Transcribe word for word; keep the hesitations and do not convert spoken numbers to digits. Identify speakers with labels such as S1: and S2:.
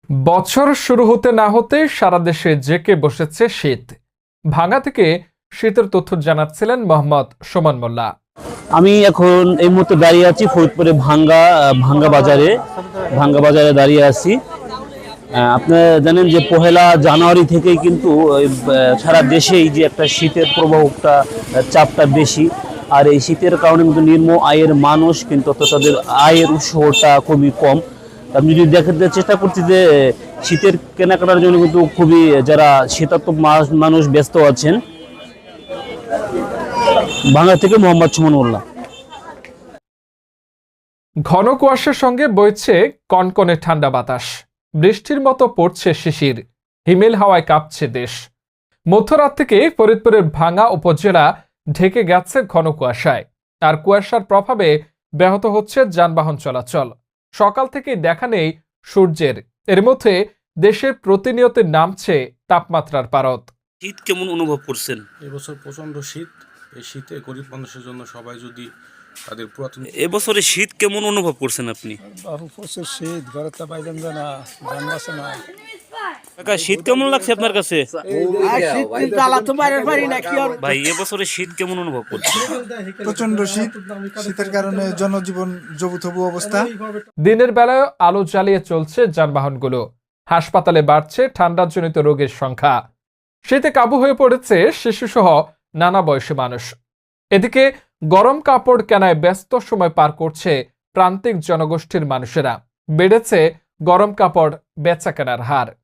S1: বছর শুরু হতে না হতে সারা দেশে জেঁকে বসেছে শীত। ভাঙ্গা থেকে শীতের তথ্য জানাচ্ছিলেন মোহাম্মদ সুমন মোল্লা।
S2: আমি এখন এই মুহূর্তে দাঁড়িয়ে আছি ফরিদপুরে ভাঙ্গা ভাঙ্গা বাজারে ভাঙ্গা বাজারে দাঁড়িয়ে আছি। আপনারা জানেন যে পহেলা জানুয়ারি থেকেই কিন্তু সারা দেশেই যে একটা শীতের প্রবাহটা চাপটা বেশি, আর এই শীতের কারণে কিন্তু নিম্ন আয়ের মানুষ কিন্তু তাদের আয়ের উৎসটা খুবই কম। আমি যদি দেখাতে চেষ্টা করছি যে শীতের কেনাকাটার জন্য কিন্তু খুবই যারা শীতার্থ মানুষ ব্যস্ত আছেন। ভাঙ্গা থেকে মোহাম্মদ সুমন মোল্লা।
S1: ঘন কুয়াশার সঙ্গে বইছে কনকনে ঠান্ডা বাতাস, বৃষ্টির মতো পড়ছে শিশির, হিমেল হাওয়ায় কাঁপছে দেশ। মধ্যরাত থেকে ফরিদপুরের ভাঙ্গা উপজেলা ঢেকে গেছে ঘন কুয়াশায়, আর কুয়াশার প্রভাবে ব্যাহত হচ্ছে যানবাহন চলাচল। সকাল থেকে দেখা নেই সূর্যের, এর মধ্যে দেশের প্রতিনিয়ত নামছে তাপমাত্রার পারদ।
S2: শীত কেমন অনুভব করছেন?
S3: এবছর প্রচন্ড শীত। এই শীতে গরিব মানুষের জন্য সবাই যদি তাদের পুরাতন
S2: এবছরে শীত কেমন অনুভব করছেন আপনি?
S3: প্রচুর শীত, ঘরে তো বাইরেন যায় না, জান বাসে না।
S2: কাকা, শীত কেমন লাগছে আপনার কাছে? ভাই, এবছরে শীত কেমন অনুভব করছেন?
S4: প্রচন্ড শীত, শীতের কারণে জনজীবন জবুথবু অবস্থা।
S1: দিনের বেলায় আলো জ্বালিয়ে চলছে যানবাহনগুলো, হাসপাতালে বাড়ছে ঠান্ডাজনিত রোগের সংখ্যা। শীতে কাবু হয়ে পড়েছে শিশুসহ নানা বয়সী মানুষ। এদিকে গরম কাপড় কেনায় ব্যস্ত সময় পার করছে প্রান্তিক জনগোষ্ঠীর মানুষেরা। বেড়েছে গরম কাপড় বেচা কেনার হার।